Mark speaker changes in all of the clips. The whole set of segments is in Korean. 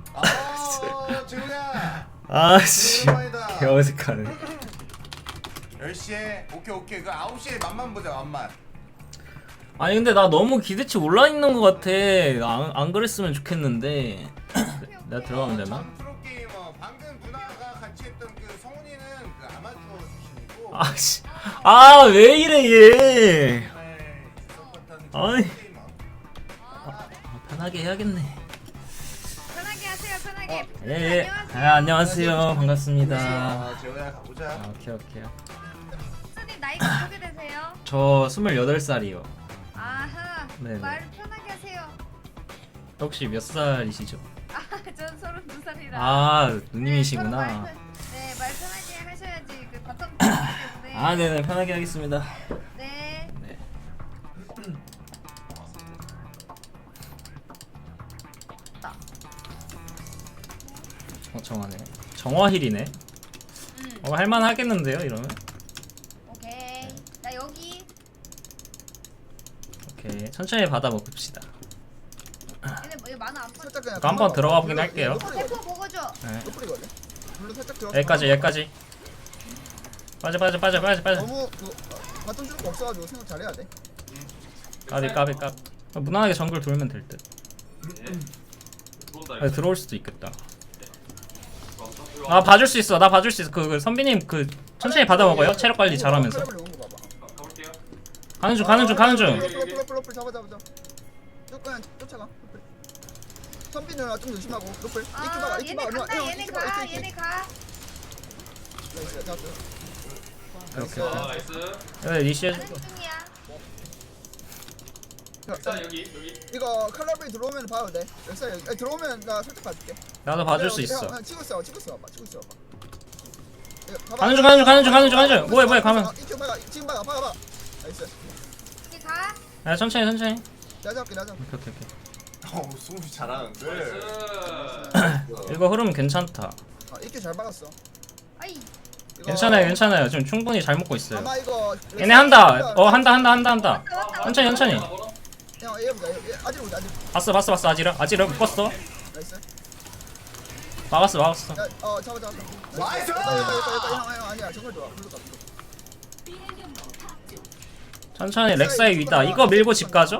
Speaker 1: 아 재훈아.
Speaker 2: 아씨
Speaker 1: 오랜만이다.
Speaker 2: 개어색하네.
Speaker 1: 10시에 오케이 그 9시에 맛만 보자 맛만.
Speaker 2: 아니 근데 나 너무 기대치 올라있는 것 같아. 안 그랬으면 좋겠는데. 내가 들어가면 되나?
Speaker 1: 전 프로게이머 방금 누나가 같이 했던 그 성훈이는 그 아마추어 출신이고
Speaker 2: 아씨 왜 이래 얘. 아이. 편하게 해야겠네.
Speaker 3: 편하게 하세요. 편하게.
Speaker 2: 예. 안녕하세요. 반갑습니다.
Speaker 1: 아 재훈아 가보자.
Speaker 2: 오케이.
Speaker 3: 선생님 나이가 어떻게 되세요?
Speaker 2: 저 28살이요.
Speaker 3: 아하.
Speaker 2: 네네.
Speaker 3: 말 편하게 하세요.
Speaker 2: 혹시 몇 살이시죠?
Speaker 3: 전 32살이라.
Speaker 2: 누님이시구나.
Speaker 3: 네, 말 편하게 하셔야지. 그 바텀 때문에.
Speaker 2: 네네 편하게 하겠습니다.
Speaker 3: 네.
Speaker 2: 네. 정하네. 정화힐이네. 할만하겠는데요 이러면?
Speaker 3: 오케이. 나 여기.
Speaker 2: 오케이 천천히 받아 먹읍시다.
Speaker 3: 얘네 뭐 많아 아파.
Speaker 4: 살짝 그냥
Speaker 2: 이거 한번 들어가 보긴 할게요.
Speaker 3: 대포 먹어줘.
Speaker 2: 네.
Speaker 4: 노플이거든. 물로 살짝 들어.
Speaker 2: 여기까지. 빠져.
Speaker 4: 너무 그 바텀 줄거 없어가지고 생각 잘해야 돼.
Speaker 2: 까비. 무난하게 정글 돌면 될 듯. 들어올 수도 있겠다. 나 봐줄 수 있어. 그 선비님 그 천천히 받아 먹어요. 체력 관리 잘하면서. 가는 중.
Speaker 4: 노플 잡아. 쭉 그냥 쫓아가. 노플. 선비 누나 좀 조심하고 노플.
Speaker 3: 얘네 간다. 얘네 가.
Speaker 4: 나이스 잡았어.
Speaker 2: 오케이.
Speaker 5: 나이스.
Speaker 2: 여기 리시해.
Speaker 3: 가는 중이야.
Speaker 5: 자 여기.
Speaker 4: 이거 칼라브리 들어오면 봐도 돼. 엑사 여기 들어오면 나 살짝 봐줄게.
Speaker 2: 나도 봐줄 수 있어.
Speaker 4: 치고 있어 봐.
Speaker 2: 가는 중. 뭐야 가면.
Speaker 4: 지금 봐. 나이스.
Speaker 3: 이제 가.
Speaker 2: 야 천천히.
Speaker 4: 내가 잡게.
Speaker 2: 오케이.
Speaker 1: 승우 잘하는데.
Speaker 5: 나이스.
Speaker 2: 이거 흐름 괜찮다.
Speaker 4: 이렇게 잘 박았어.
Speaker 3: 아이.
Speaker 4: 이거
Speaker 2: 괜찮아요. 지금 충분히 잘 먹고 있어요.
Speaker 4: 아마 이거
Speaker 2: 얘네 한다. 한다.
Speaker 3: 왔다.
Speaker 2: 천천히.
Speaker 4: 형 얘보자. 아직 보자.
Speaker 2: 봤어. 아지라 묶었어.
Speaker 4: 나이스.
Speaker 2: 막았어.
Speaker 4: 야, 잡아.
Speaker 1: 나이스!
Speaker 4: 형 아니야. 정말 좋아. 블루 가.
Speaker 2: 천천히 렉사이 위다. 이거 밀고 집 가죠?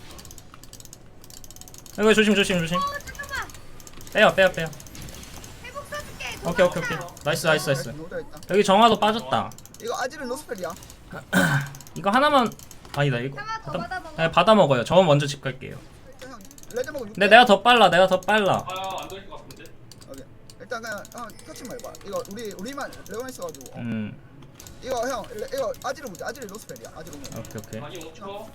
Speaker 2: 이거 조심.
Speaker 3: 잠깐만.
Speaker 2: 빼요.
Speaker 3: 회복 써줄게.
Speaker 2: 오케이. 나이스.
Speaker 4: 노다 있다.
Speaker 2: 여기 정화도 빠졌다.
Speaker 4: 이거 아직은 노스펠이야.
Speaker 2: 이거 하나만 아니다 이거.
Speaker 3: 하나 더 받아 먹어.
Speaker 2: 네, 받아 먹어요. 저 먼저 집 갈게요.
Speaker 4: 형 레드 먹어.
Speaker 2: 근데 내가 더 빨라.
Speaker 5: 안 돌릴 것 같은데.
Speaker 4: 오케이. 일단 그냥 터치 말봐. 이거 우리만 레온 있어가지고. 이거 형 이거 아지를 보자. 아지를 노스펠이야. 아지를 보면.
Speaker 2: 오케이.
Speaker 5: 자기 5초.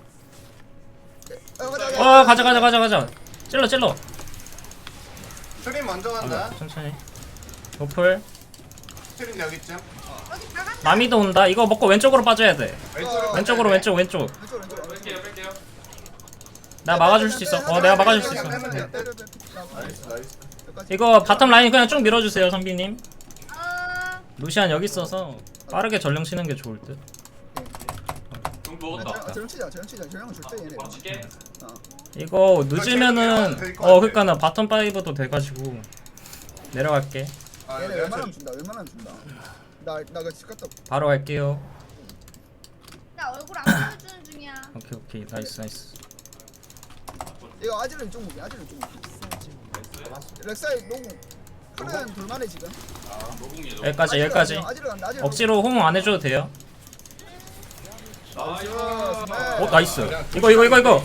Speaker 2: 가자. 찔러.
Speaker 1: 트림 먼저 간다.
Speaker 2: 천천히. 노플.
Speaker 1: 트림 여기쯤.
Speaker 3: 여기 다 간다.
Speaker 2: 마미도 온다. 이거 먹고 왼쪽으로 빠져야 돼.
Speaker 1: 왼쪽으로.
Speaker 2: 왼쪽.
Speaker 4: 왼쪽.
Speaker 5: 뺄게요.
Speaker 2: 나 막아줄 수 있어. 내가 막아줄 수 있어.
Speaker 1: 나이스.
Speaker 2: 이거 바텀 라인 그냥 쭉 밀어주세요, 선비님.
Speaker 3: 어.
Speaker 2: 루시안 여기 있어서 빠르게 전령 치는 게 좋을 듯.
Speaker 5: 용 먹었다.
Speaker 4: 저형 줄때 얘네.
Speaker 5: 바로 칠게.
Speaker 2: 이거 늦으면은 그러니까 나 바텀 5도 돼가지고 내려갈게.
Speaker 4: 얘네 웬만하면 준다. 나그 집 갔다.
Speaker 2: 바로 갈게요.
Speaker 3: 나 얼굴 안 보여주는 중이야.
Speaker 2: 오케이. 나이스.
Speaker 4: 이거 아지를 좀 무게. 렉사이 농구. 크는 불만해 지금.
Speaker 5: 노궁이죠.
Speaker 2: 여기까지.
Speaker 4: 아지를 간다.
Speaker 2: 억지로 호응 안 해줘도 돼요.
Speaker 5: 나이스.
Speaker 2: 나이스. 이거.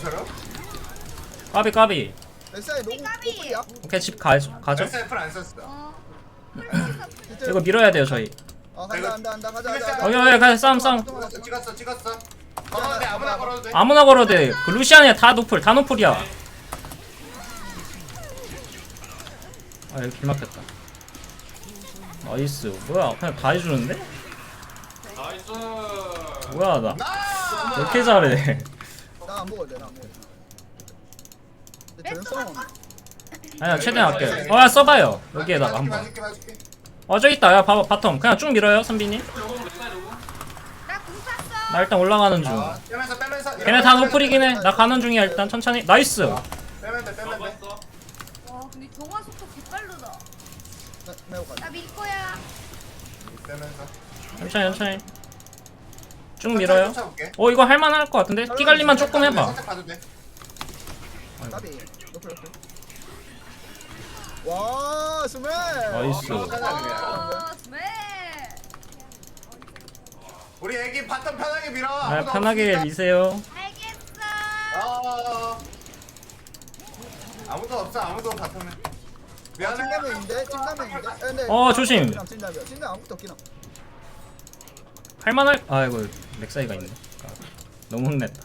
Speaker 2: 까비.
Speaker 4: 렉사이 농구
Speaker 3: 까비.
Speaker 4: 노플이야.
Speaker 2: 오케이 집 가죠.
Speaker 1: 셀프를 안 썼어.
Speaker 3: 어.
Speaker 2: 이거 밀어야 돼요 저희.
Speaker 4: 간다. 가자.
Speaker 2: 여기 가자. 싸움.
Speaker 1: 찍었어. 걸어도 돼. 아무나 걸어도 돼.
Speaker 2: 아무나 걸어도 돼. 그 루시안이야 다 노플이야. 여기 길 막혔다. 나이스. 뭐야 그냥 다 해주는데?
Speaker 5: 나이스.
Speaker 2: 뭐야 나 왜 이렇게 잘해.
Speaker 4: 나안 먹어도 돼. 저형
Speaker 2: 아니야 최대한 할게요. 야 써봐요. 여기에다가 한번.
Speaker 1: 봐줄게.
Speaker 2: 저기 있다. 야 봐봐 바텀 그냥 쭉 밀어요 선비님.
Speaker 5: 노궁 렉사이 노궁.
Speaker 3: 나궁 쐈어.
Speaker 2: 나 일단 올라가는 중.
Speaker 1: 빼면서.
Speaker 2: 걔네 다 노플이긴 해. 나 가는 중이야 일단 천천히. 나이스.
Speaker 1: 빼면 돼.
Speaker 5: 먹었어.
Speaker 3: 와 근데 정화 속도 개빨로
Speaker 4: 매우 가.
Speaker 3: 나 밀 거야.
Speaker 1: 빼면서.
Speaker 2: 천천히 쭉 밀어요.
Speaker 1: 쫓아볼게.
Speaker 2: 이거 할만할 것 같은데? 피 관리만 조금 해봐.
Speaker 1: 살짝 봐도 돼.
Speaker 4: 나비. 높을. 와 스멜.
Speaker 2: 나이스.
Speaker 3: 스멜.
Speaker 1: 우리 애기 바텀 편하게 밀어.
Speaker 2: 아,
Speaker 1: 아무도
Speaker 2: 편하게
Speaker 1: 없으니까.
Speaker 2: 미세요.
Speaker 3: 알겠어.
Speaker 1: 아무도 없어. 아무도 바텀에. 미안해.
Speaker 4: 찐라면인데 찐라면인데. 근데
Speaker 2: 조심.
Speaker 4: 찐라면. 찐라면 아무것도 없긴 함.
Speaker 2: 할만할. 아이고 렉사이가 있네. 너무 혼냈다.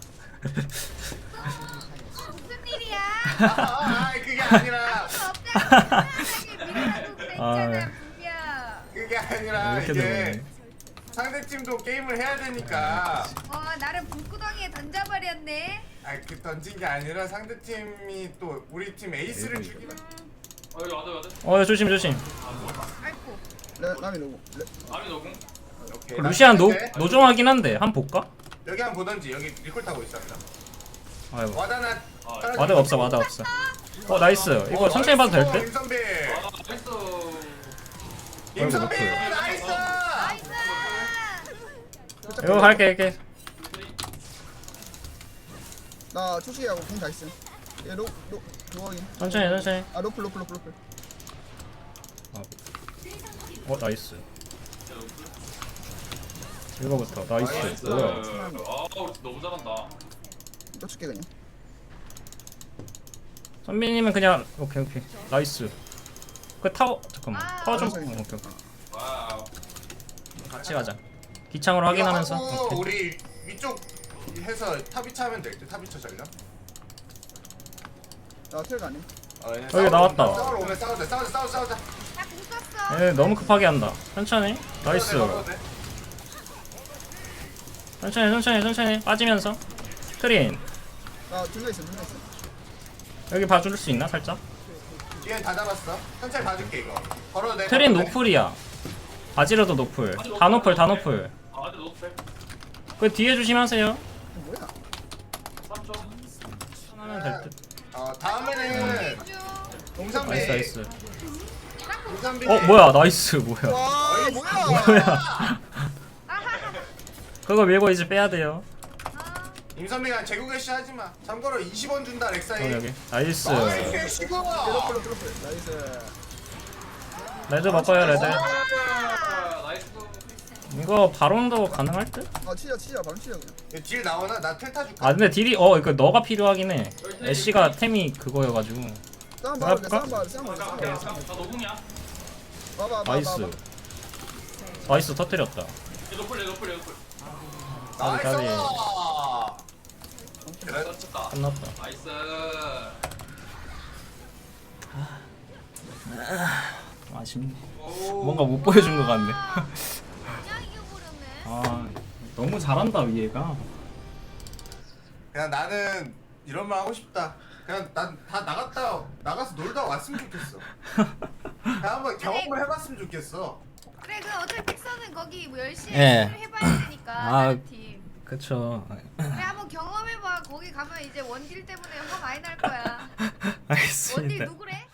Speaker 3: 무슨 일이야?
Speaker 1: 그게 아니라.
Speaker 3: 없잖아. 밀어라도 됐잖아. 분명.
Speaker 1: 그게 아니라
Speaker 2: 이렇게
Speaker 1: 이게
Speaker 2: 되네.
Speaker 1: 상대 팀도 게임을 해야 되니까.
Speaker 3: 나를 불구덩이에 던져버렸네.
Speaker 1: 그 던진 게 아니라 상대 팀이 또 우리 팀 에이스를 죽이면.
Speaker 5: 여기 와드.
Speaker 2: 조심.
Speaker 3: 아이고.
Speaker 4: 남이 누구?
Speaker 5: 아미 노공.
Speaker 1: 오케이.
Speaker 2: 루시안
Speaker 1: 나
Speaker 2: 노종하긴 한데 한 번 볼까?
Speaker 1: 여기 한번 보던지 여기 리콜 타고 있습니다.
Speaker 2: 아이고
Speaker 1: 와다나.
Speaker 2: 와드 없어. 나이스. 이거 천천히 봐도 될 듯?
Speaker 1: 임선비.
Speaker 5: 나이스.
Speaker 1: 임선비
Speaker 2: 아이고,
Speaker 1: 나이스.
Speaker 3: 나이스.
Speaker 2: 이거 갈게.
Speaker 4: 나 초식이하고 공 다 있음. 얘로 그거긴.
Speaker 2: 천천히.
Speaker 4: 아 로플.
Speaker 2: 나이스. 이거부터 나이스. 뭐야?
Speaker 5: 아우 너무 잘한다.
Speaker 4: 쫓을게 그냥.
Speaker 2: 선배님은 그냥 오케이. 나이스. 그 타워 잠깐만. 타워 좀.
Speaker 4: 천천히.
Speaker 2: 오케이.
Speaker 5: 와우.
Speaker 2: 같이 가자. 기창으로 확인하면서.
Speaker 1: 하고
Speaker 2: 오케이.
Speaker 1: 우리 위쪽 해서 탑이차 하면 될 듯. 탑이차 전략.
Speaker 4: 나 텔 가네.
Speaker 2: 여기 나왔다.
Speaker 1: 싸우러 오면 싸우자.
Speaker 3: 나공 썼어.
Speaker 2: 얘 너무 급하게 한다. 천천히. 나이스. 천천히 빠지면서. 트린.
Speaker 4: 나 둘러 있어.
Speaker 2: 여기 봐줄 수 있나 살짝?
Speaker 1: 뒤엔 다 잡았어. 천천히 봐줄게 이거. 걸어도 돼.
Speaker 2: 트린
Speaker 1: 걸어도 돼.
Speaker 2: 노플이야. 바지러도 노플. 다 노플.
Speaker 5: 아드 노플.
Speaker 2: 그 뒤에 조심하세요.
Speaker 4: 이거 뭐야?
Speaker 5: 3점.
Speaker 2: 하면 될 듯.
Speaker 1: 다음에는 임선비.
Speaker 2: 나이스.
Speaker 1: 임선비.
Speaker 2: 뭐야 나이스 뭐야.
Speaker 4: 와 뭐야?
Speaker 2: 뭐야. 그거 밀고 이제 빼야 돼요.
Speaker 1: 임선비가 제국의 하지 마. 참고로 20원 준다 렉사이.
Speaker 2: 여기. 나이스.
Speaker 1: 나이스 시고.
Speaker 4: 로플. 나이스.
Speaker 2: 레드 바꿔요 레드.
Speaker 5: 나이스.
Speaker 2: 이거 바론도 가능할 듯?
Speaker 4: 치자 바로 치자 그냥.
Speaker 1: 딜 나오나? 나 텔타 줄까?
Speaker 2: 아 근데 딜이 이거 너가 필요하긴 해. 애쉬가 템이 그거여가지고.
Speaker 4: 싸움
Speaker 2: 할까?
Speaker 4: 봐라.
Speaker 5: 나 노공이야.
Speaker 4: 봐봐.
Speaker 2: 나이스 터뜨렸다.
Speaker 5: 얘 노플.
Speaker 1: 나이스.
Speaker 2: 까비.
Speaker 1: 그래.
Speaker 5: 쳤다.
Speaker 2: 끝났다.
Speaker 5: 나이스.
Speaker 2: 아쉽네.
Speaker 5: 오.
Speaker 2: 뭔가 못 보여준 것 같네.
Speaker 3: 그냥 이겨버렸네.
Speaker 2: 아 너무 잘한다 얘가.
Speaker 1: 그냥 나는 이런 말 하고 싶다. 그냥 난 다 나가서 놀다 왔으면 좋겠어. 그냥 한번 경험을 해봤으면 좋겠어.
Speaker 3: 그래 그 어차피 픽서는 거기 뭐 열심히
Speaker 2: 예.
Speaker 3: 해봐야 되니까
Speaker 2: 아.
Speaker 3: 다른 팀.
Speaker 2: 그쵸.
Speaker 3: 그래 한번 경험해봐. 거기 가면 이제 원딜 때문에 화 많이 날 거야. 원딜
Speaker 2: 알겠습니다.
Speaker 3: 누구래?